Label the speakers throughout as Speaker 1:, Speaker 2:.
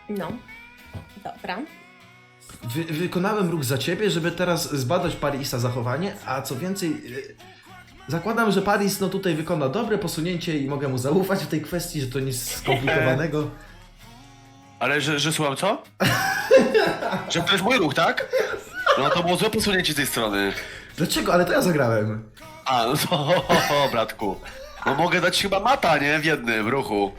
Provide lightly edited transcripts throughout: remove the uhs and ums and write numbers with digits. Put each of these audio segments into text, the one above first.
Speaker 1: No, dobra.
Speaker 2: Wykonałem ruch za ciebie, żeby teraz zbadać Parisa zachowanie, a co więcej, zakładam, że Paris no tutaj wykona dobre posunięcie i mogę mu zaufać w tej kwestii, że to nic skomplikowanego.
Speaker 3: Ale że słucham co? Że to jest mój ruch, tak? No to było złe posunięcie z tej strony.
Speaker 2: Dlaczego? Ale to ja zagrałem.
Speaker 3: A, no to bratku. No mogę dać chyba mata, nie? W jednym ruchu.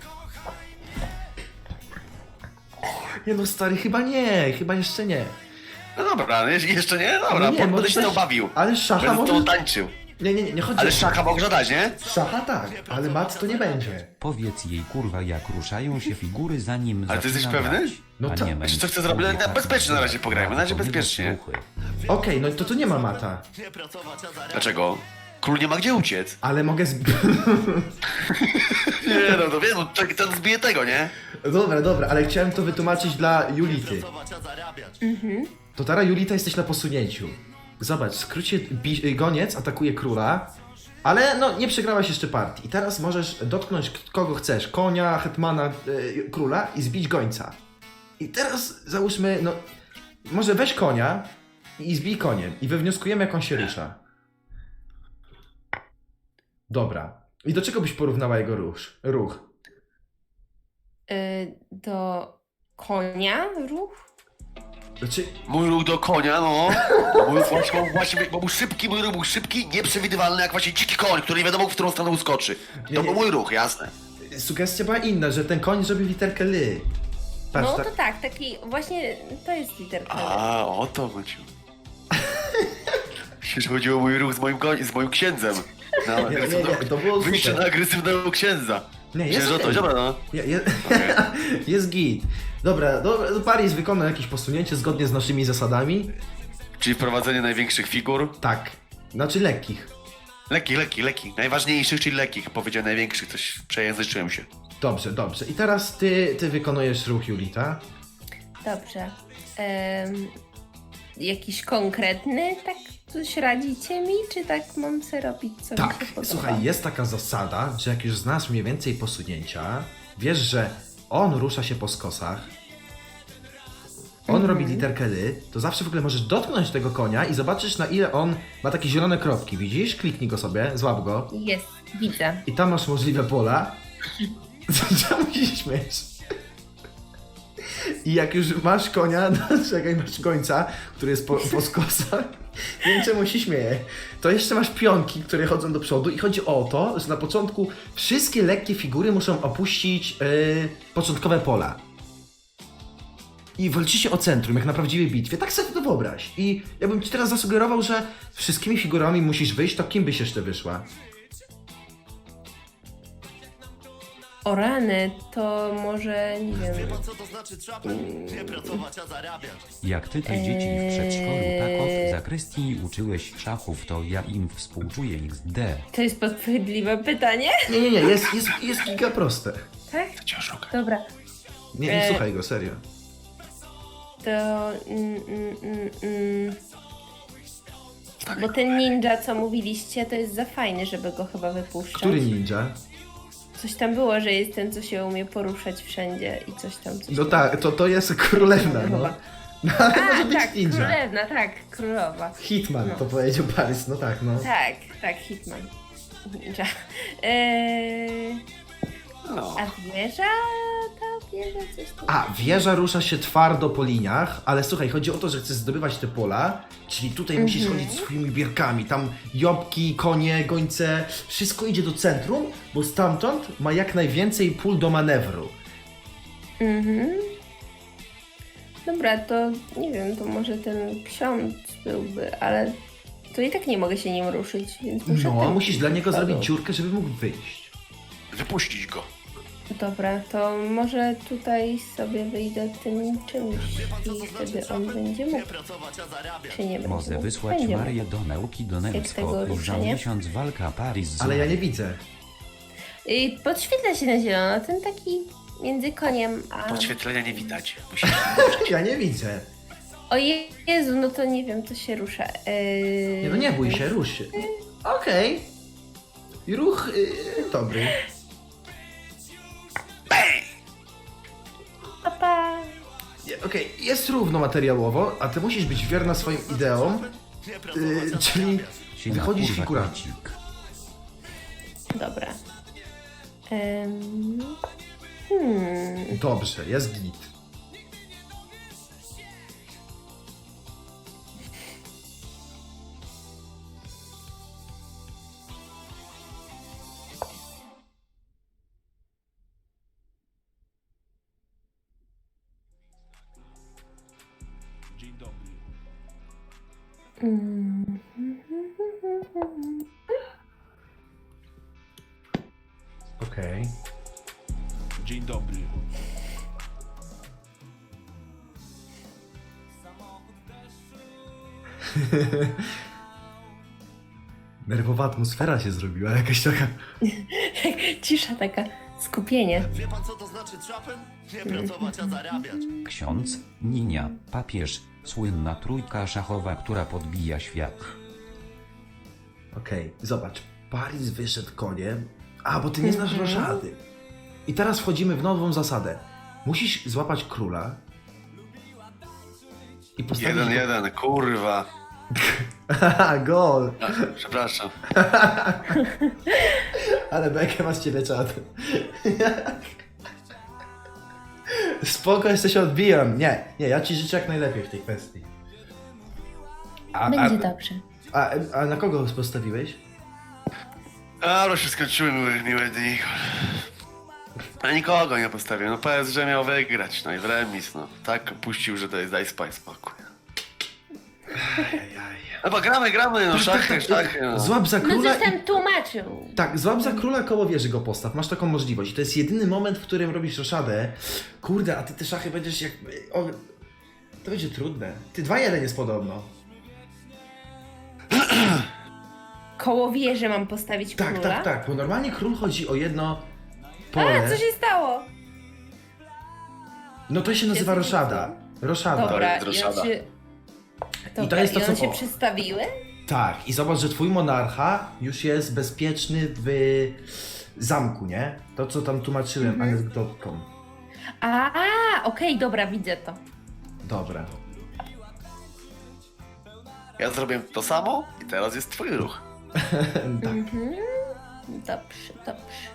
Speaker 2: Nie no stary, chyba nie, chyba jeszcze nie.
Speaker 3: No dobra, no jeszcze nie? Dobra,
Speaker 2: No nie,
Speaker 3: będę
Speaker 2: może
Speaker 3: się
Speaker 2: też-
Speaker 3: tą bawił.
Speaker 2: ale szacha
Speaker 3: Będę z tą
Speaker 2: może-
Speaker 3: tańczył.
Speaker 2: Nie chodzi
Speaker 3: Ale
Speaker 2: o
Speaker 3: szacha mogę dać, nie?
Speaker 2: Szacha tak, ale mat to nie będzie.
Speaker 4: Powiedz jej kurwa jak ruszają się figury zanim
Speaker 3: Ale ty jesteś
Speaker 4: zaczyna
Speaker 3: pewny?
Speaker 4: grać.
Speaker 2: No
Speaker 4: A
Speaker 2: tak.
Speaker 4: nie
Speaker 3: Wiesz,
Speaker 4: męcz
Speaker 3: co chcę zrobić?
Speaker 4: sobie
Speaker 3: Na bezpiecznie na razie pograjmy, na razie
Speaker 4: to nie
Speaker 3: bezpiecznie.
Speaker 4: słuchy.
Speaker 2: Okej, no to tu nie ma mata,
Speaker 3: Dlaczego? Król nie ma gdzie uciec.
Speaker 2: ale mogę
Speaker 3: Nie no, to wiem, no, ten zbije tego, nie?
Speaker 2: Dobra, ale chciałem to wytłumaczyć dla Julity. To teraz Julita jesteś na posunięciu. Zobacz, w skrócie goniec atakuje króla, ale no nie przegrałaś jeszcze partii. I teraz możesz dotknąć kogo chcesz, konia, hetmana, króla i zbić gońca. I teraz załóżmy, no może weź konia i zbij koniem i wywnioskujemy jak on się rusza. Dobra. I do czego byś porównała jego ruch?
Speaker 1: Do konia ruch?
Speaker 2: Znaczy,
Speaker 3: Mój ruch do konia, no. Bo był szybki, mój ruch był szybki, nieprzewidywalny, jak właśnie dziki koń, który nie wiadomo, w którą stronę uskoczy.
Speaker 2: Nie,
Speaker 3: To
Speaker 2: nie.
Speaker 3: był mój ruch, jasne.
Speaker 2: sugestia była inna, że ten koń zrobił literkę ly. Patrz,
Speaker 1: No to tak, taki właśnie to jest literka.
Speaker 3: A, o to chodziło. Przecież chodziło o mój ruch z moim księdzem.
Speaker 2: Nie, to było
Speaker 3: Wyjście
Speaker 2: super.
Speaker 3: na agresywnego księdza.
Speaker 2: Nie,
Speaker 3: Myślę, że to,
Speaker 2: okej.
Speaker 3: dobra, no.
Speaker 2: Jest git. Dobra, Paris wykonał jakieś posunięcie zgodnie z naszymi zasadami.
Speaker 3: Czyli wprowadzenie największych figur.
Speaker 2: Tak. Znaczy lekkich.
Speaker 3: Lekkich. Najważniejszych, czyli lekkich. Powiedział największych, coś przejęzyczyłem się.
Speaker 2: Dobrze. I teraz ty wykonujesz ruch Julita.
Speaker 1: Dobrze. Jakiś konkretny, tak coś radzicie mi, czy tak mam sobie robić, co mi
Speaker 2: Tak,
Speaker 1: się podoba?
Speaker 2: słuchaj, jest taka zasada, że jak już znasz mniej więcej posunięcia, wiesz, że on rusza się po skosach, on robi literkę ly, to zawsze w ogóle możesz dotknąć tego konia i zobaczysz, na ile on ma takie zielone kropki, widzisz? Kliknij go sobie, złap go
Speaker 1: Jest, widzę.
Speaker 2: i tam masz możliwe pola. Czemu się śmiesz? I jak już masz konia, czekaj, masz końca, który jest po skosach, nie wiem czemu się śmieję, to jeszcze masz pionki, które chodzą do przodu i chodzi o to, że na początku wszystkie lekkie figury muszą opuścić początkowe pola. I walczycie o centrum, jak na prawdziwej bitwie. Tak sobie to wyobraź. I ja bym ci teraz zasugerował, że wszystkimi figurami musisz wyjść, to kim byś jeszcze wyszła?
Speaker 1: O rany, to może, nie wiem,
Speaker 4: Jak ty te dzieci w przedszkolu tak od zakrystii uczyłeś szachów, to ja im współczuję XD.
Speaker 1: to jest podchwytliwe pytanie?
Speaker 2: Nie, jest giga proste.
Speaker 1: Tak?
Speaker 3: To cię oszuka.
Speaker 1: Dobra,
Speaker 2: Nie słuchaj go, serio.
Speaker 1: to... Bo ten ninja, co mówiliście, to jest za fajny, żeby go chyba wypuszczać.
Speaker 2: Który ninja?
Speaker 1: Coś tam było, że jest ten, co się umie poruszać wszędzie i coś tam. Coś
Speaker 2: No
Speaker 1: tam.
Speaker 2: tak, to jest królewna, no. No ale może
Speaker 1: A,
Speaker 2: być
Speaker 1: tak,
Speaker 2: ninja.
Speaker 1: królewna, tak, królowa.
Speaker 2: Hitman,
Speaker 1: No.
Speaker 2: to powiedział Paris, no tak, no.
Speaker 1: Tak, Hitman. Ninja.
Speaker 3: No.
Speaker 1: A wieża? Ta wieża coś tam.
Speaker 2: A, wieża rusza się twardo po liniach, ale słuchaj, chodzi o to, że chcesz zdobywać te pola, czyli tutaj musisz chodzić swoimi bierkami, tam jobki, konie, gońce, wszystko idzie do centrum, bo stamtąd ma jak najwięcej pól do manewru.
Speaker 1: Dobra, to nie wiem, to może ten ksiądz byłby, ale to i tak nie mogę się nim ruszyć, więc muszę...
Speaker 2: No,
Speaker 1: ten
Speaker 2: musisz dla niego
Speaker 1: padł.
Speaker 2: zrobić dziurkę, żeby mógł wyjść.
Speaker 3: Wypuścić go.
Speaker 1: Dobra, to może tutaj sobie wyjdę tym czymś i wtedy on będzie mógł. Czy nie będzie
Speaker 4: Może
Speaker 1: mógł?
Speaker 4: wysłać
Speaker 1: Będzie
Speaker 4: Marię
Speaker 1: mógł.
Speaker 4: do nauki do
Speaker 1: tego
Speaker 4: Nemspo i za
Speaker 1: ruszenia?
Speaker 4: miesiąc walka Paris z
Speaker 2: Ale ja nie widzę.
Speaker 1: I podświetla się na zielono, ten taki między koniem a...
Speaker 3: Podświetlenia nie widać. Musisz...
Speaker 2: Ja nie widzę.
Speaker 1: O Jezu, no to nie wiem, to się rusza.
Speaker 2: Nie, no nie bój się, rusz się. Okej. I ruch dobry.
Speaker 1: Pa, pa.
Speaker 2: Okej, jest równo materiałowo, a ty musisz być wierna swoim ideom, czyli
Speaker 4: Siema,
Speaker 2: wychodzisz
Speaker 4: kurwa,
Speaker 2: figurami.
Speaker 4: krecik.
Speaker 1: Dobra.
Speaker 2: Dobrze, jest git. Okej.
Speaker 5: Dzień dobry.
Speaker 2: Nerwowa atmosfera się zrobiła, jakaś taka...
Speaker 1: Cisza taka, skupienie.
Speaker 3: Wie pan co to znaczy trapen? Nie pracować, a zarabiać.
Speaker 4: Ksiądz, Ninia, papież, słynna trójka szachowa, która podbija świat.
Speaker 2: Okej, zobacz. Paris wyszedł koniem, a bo ty nie znasz roszady. I teraz wchodzimy w nową zasadę. Musisz złapać króla i postawić
Speaker 3: 1-1, kurwa.
Speaker 2: Haha, gol!
Speaker 3: A, przepraszam.
Speaker 2: Ale bekę ma z ciebie czat. Spoko, jeszcze się odbijam. Nie, ja ci życzę jak najlepiej w tej kwestii.
Speaker 1: Będzie dobrze.
Speaker 2: A na kogo postawiłeś?
Speaker 3: Ale się skończyły miłe dni. A nikogo nie postawiłem. No PSG miał wygrać, no i w remis, no. Tak puścił, że to jest daj spokój. No bo gramy, no szachy, no.
Speaker 2: Złap za
Speaker 1: No
Speaker 2: króla
Speaker 1: coś tam tłumaczył.
Speaker 2: Tak, złap za króla koło wieży go postaw, masz taką możliwość. To jest jedyny moment, w którym robisz roszadę. Kurde, a ty te szachy będziesz jak... O, to będzie trudne. Ty 2-1 jest podobno.
Speaker 1: Koło wieży mam postawić
Speaker 2: Tak,
Speaker 1: króla?
Speaker 2: tak, bo normalnie król chodzi o jedno pole.
Speaker 1: A, co się stało?
Speaker 2: No to się nazywa
Speaker 1: Jest-
Speaker 2: roszada. Roszada.
Speaker 1: Dobra,
Speaker 3: jest roszada.
Speaker 2: I to jest to,
Speaker 1: i one
Speaker 2: co-
Speaker 1: się
Speaker 2: o.
Speaker 1: przestawiły?
Speaker 2: Tak, i zobacz, że twój monarcha już jest bezpieczny w zamku, nie? To, co tam tłumaczyłem anegdotką.
Speaker 1: Okej, dobra, widzę to.
Speaker 2: Dobra.
Speaker 3: Ja zrobię to samo i teraz jest twój ruch.
Speaker 2: Tak.
Speaker 1: Dobrze.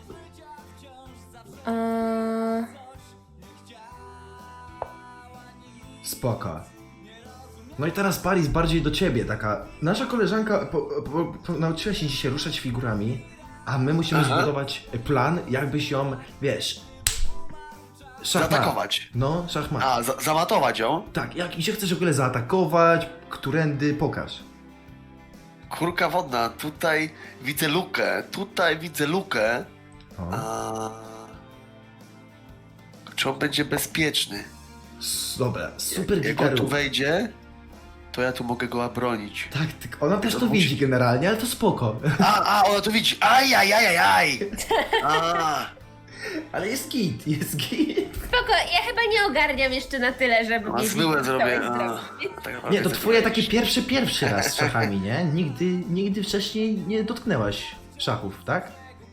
Speaker 2: Spoko. No i teraz Paris bardziej do ciebie, taka... Nasza koleżanka nauczyła się dzisiaj ruszać figurami, a my musimy
Speaker 3: Aha.
Speaker 2: zbudować plan, jakbyś ją, wiesz... Szachmat.
Speaker 3: Zaatakować.
Speaker 2: No, szachmat.
Speaker 3: A, zamatować ją?
Speaker 2: Tak, jak się chcesz w ogóle zaatakować, którędy, pokaż.
Speaker 3: Kurka wodna, tutaj widzę lukę,
Speaker 2: O.
Speaker 3: a... Czy on będzie bezpieczny?
Speaker 2: Dobra, super
Speaker 3: Jak on tu
Speaker 2: gitaru.
Speaker 3: wejdzie, to ja tu mogę go obronić.
Speaker 2: Tak, ona też
Speaker 3: To
Speaker 2: to
Speaker 3: musi-
Speaker 2: widzi generalnie, ale to spoko.
Speaker 3: Ona to widzi. Ajajajajaj!
Speaker 2: Ale jest git.
Speaker 1: Spoko, ja chyba nie ogarniam jeszcze na tyle, żeby
Speaker 3: A
Speaker 1: wiedzieć,
Speaker 3: zmyłe
Speaker 1: co
Speaker 3: zrobię.
Speaker 1: chciałeś
Speaker 3: A,
Speaker 1: zrobić.
Speaker 3: tak naprawdę
Speaker 2: Nie, to
Speaker 3: chcę
Speaker 2: twoje
Speaker 3: powiedzieć.
Speaker 2: takie pierwszy raz z szachami, nie? Nigdy wcześniej nie dotknęłaś szachów, tak?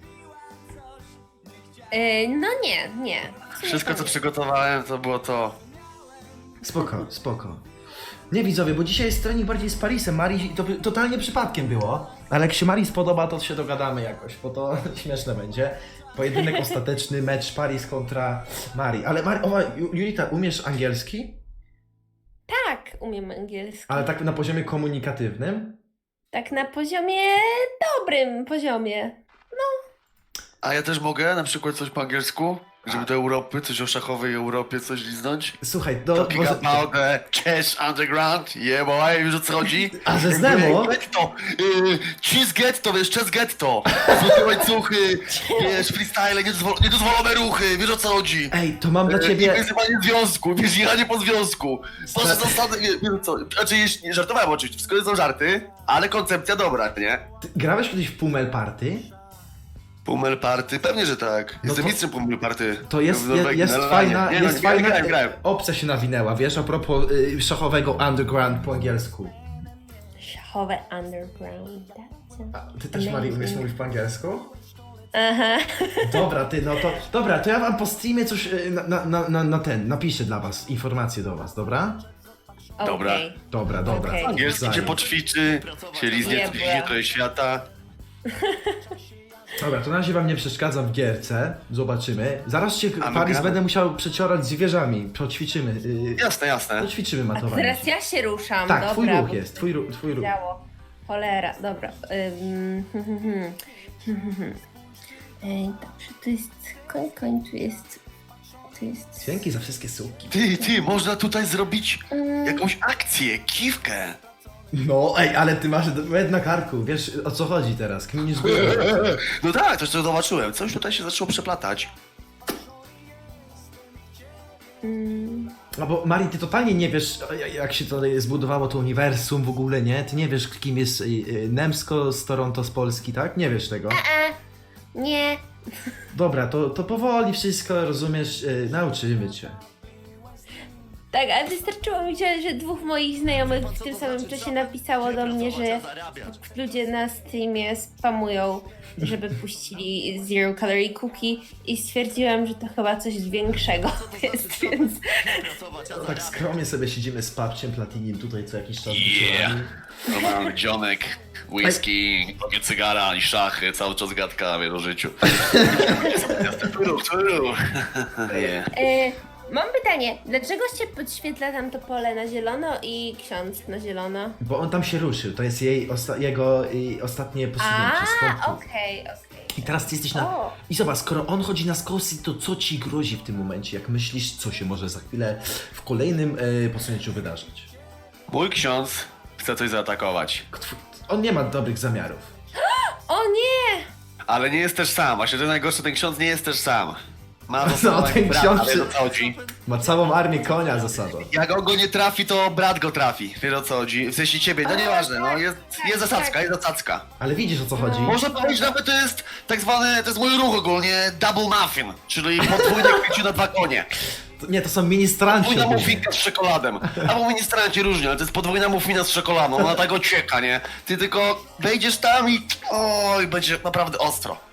Speaker 1: No nie. W sumie
Speaker 3: Wszystko,
Speaker 1: to
Speaker 3: co
Speaker 1: nie.
Speaker 3: przygotowałem, to było to.
Speaker 2: Spoko. Nie widzowie, bo dzisiaj jest trening bardziej z Parisem. Marii to totalnie przypadkiem było. Ale jak się Marii spodoba, to się dogadamy jakoś, bo to śmieszne będzie. Pojedynek ostateczny, mecz Paris kontra Marii. Ale Julita, umiesz angielski?
Speaker 1: Tak, umiem angielski.
Speaker 2: Ale tak na poziomie komunikatywnym?
Speaker 1: Tak na poziomie dobrym poziomie.
Speaker 3: A ja też mogę na przykład coś po angielsku? Żeby do Europy, coś o szachowej Europie, coś liznąć?
Speaker 2: Słuchaj,
Speaker 3: Talking about the chess underground, yeah boy, wiesz o co chodzi?
Speaker 2: A że z Nemo?
Speaker 3: Getto, cheese getto, wiesz, chess getto, złote łańcuchy, wiesz, freestyle, niedozwolone ruchy, wiesz o co chodzi?
Speaker 2: Ej, to mam dla
Speaker 3: I
Speaker 2: ciebie...
Speaker 3: wyzywanie związku, wiesz, jechanie po związku. Proszę zasady, wiesz co, znaczy nie żartowałem oczywiście, wszystko są żarty, ale koncepcja dobra, nie?
Speaker 2: Ty grałeś kiedyś w Pummel Party?
Speaker 3: Pummel party, pewnie, że tak. Jestem
Speaker 2: to-
Speaker 3: mistrzem Pummel party.
Speaker 2: To jest
Speaker 3: W Norwegii,
Speaker 2: jest
Speaker 3: na
Speaker 2: fajna,
Speaker 3: Lanie. Nie,
Speaker 2: jest
Speaker 3: no,
Speaker 2: fajna
Speaker 3: grałem.
Speaker 2: opcja się nawinęła, wiesz, a propos szachowego underground po angielsku.
Speaker 1: Szachowe underground.
Speaker 2: A ty też, Marii, umiesz mówić po angielsku?
Speaker 1: Aha.
Speaker 2: Dobra, ty, no to... Dobra, to ja wam po streamie coś napiszę dla was, informacje do was, dobra?
Speaker 3: Dobra.
Speaker 1: Okej.
Speaker 2: Dobra, dobra.
Speaker 1: Okej.
Speaker 3: Angielski cię
Speaker 2: Wzajem.
Speaker 3: poćwiczy, się liznie
Speaker 1: Jebła.
Speaker 3: trochę świata.
Speaker 2: Dobra, to na razie wam nie przeszkadzam w gierce, zobaczymy. Zaraz cię,
Speaker 3: A my
Speaker 2: Paris,
Speaker 3: gramy?
Speaker 2: będę musiał przeciorać zwierzami, poćwiczymy.
Speaker 3: Jasne, jasne.
Speaker 2: Poćwiczymy
Speaker 1: A
Speaker 2: matowanie.
Speaker 1: teraz ja się ruszam,
Speaker 2: Tak,
Speaker 1: dobra.
Speaker 2: twój ruch
Speaker 1: bo
Speaker 2: jest, twój ruch.
Speaker 1: Działo. Cholera, dobra. Dobrze, to jest koń, tu jest...
Speaker 2: Dzięki za wszystkie suki.
Speaker 3: Ty, można tutaj zrobić jakąś akcję, kiwkę.
Speaker 2: No, ej, ale ty masz med na karku, wiesz o co chodzi teraz, kminisz głowę.
Speaker 3: No tak, to co zobaczyłem. Coś tutaj się zaczęło przeplatać.
Speaker 2: No bo Mari, ty totalnie nie wiesz, jak się to zbudowało to uniwersum w ogóle, nie? Ty nie wiesz, kim jest Nemsko z Toronto z Polski, tak? Nie wiesz tego.
Speaker 1: Nie.
Speaker 2: Dobra, to powoli wszystko, rozumiesz, nauczymy cię.
Speaker 1: Tak, ale wystarczyło mi, że dwóch moich znajomych w tym samym czasie napisało do mnie, że ludzie na Steamie spamują, żeby puścili Zero Calorie Cookie i stwierdziłam, że to chyba coś większego jest, więc...
Speaker 2: Tak skromnie sobie siedzimy z papciem Platinim tutaj co jakiś czas
Speaker 3: Yeah.
Speaker 2: wieczorami.
Speaker 3: Normalny dzionek, whisky, takie cygara i szachy, cały czas gadka o życiu. Yeah.
Speaker 1: Mam pytanie, dlaczego się podświetla tam to pole na zielono i ksiądz na zielono?
Speaker 2: Bo on tam się ruszył, to jest jego ostatnie posunięcie z punktu.
Speaker 1: Okej.
Speaker 2: I teraz ty jesteś na...
Speaker 1: O.
Speaker 2: I zobacz, skoro on chodzi na skosy, to co ci grozi w tym momencie? Jak myślisz, co się może za chwilę w kolejnym posunięciu wydarzyć?
Speaker 3: Mój ksiądz chce coś zaatakować.
Speaker 2: On nie ma dobrych zamiarów.
Speaker 1: O nie!
Speaker 3: Ale nie jest też sam. Właśnie to najgorsze, ten ksiądz nie jest też sam. Ma
Speaker 2: No, ten ksiądz
Speaker 3: ale o co chodzi?
Speaker 2: ma całą armię konia za sobą.
Speaker 3: Jak on go nie trafi, to brat go trafi. Wiesz o co chodzi? W sensie ciebie, no nieważne, no jest zasadzka.
Speaker 2: Ale widzisz o co chodzi?
Speaker 3: Można powiedzieć nawet, to jest tak zwany, to jest mój ruch ogólnie, double muffin, czyli podwójne kwieciu na dwa konie.
Speaker 2: Nie, to są ministranci.
Speaker 3: Podwójna
Speaker 2: ogólnie.
Speaker 3: muffinka z czekoladem. Albo ministranci różnie, ale to jest podwójna muffina z czekoladą, ona tak ocieka, nie? Ty tylko wejdziesz tam i oj, będzie naprawdę ostro.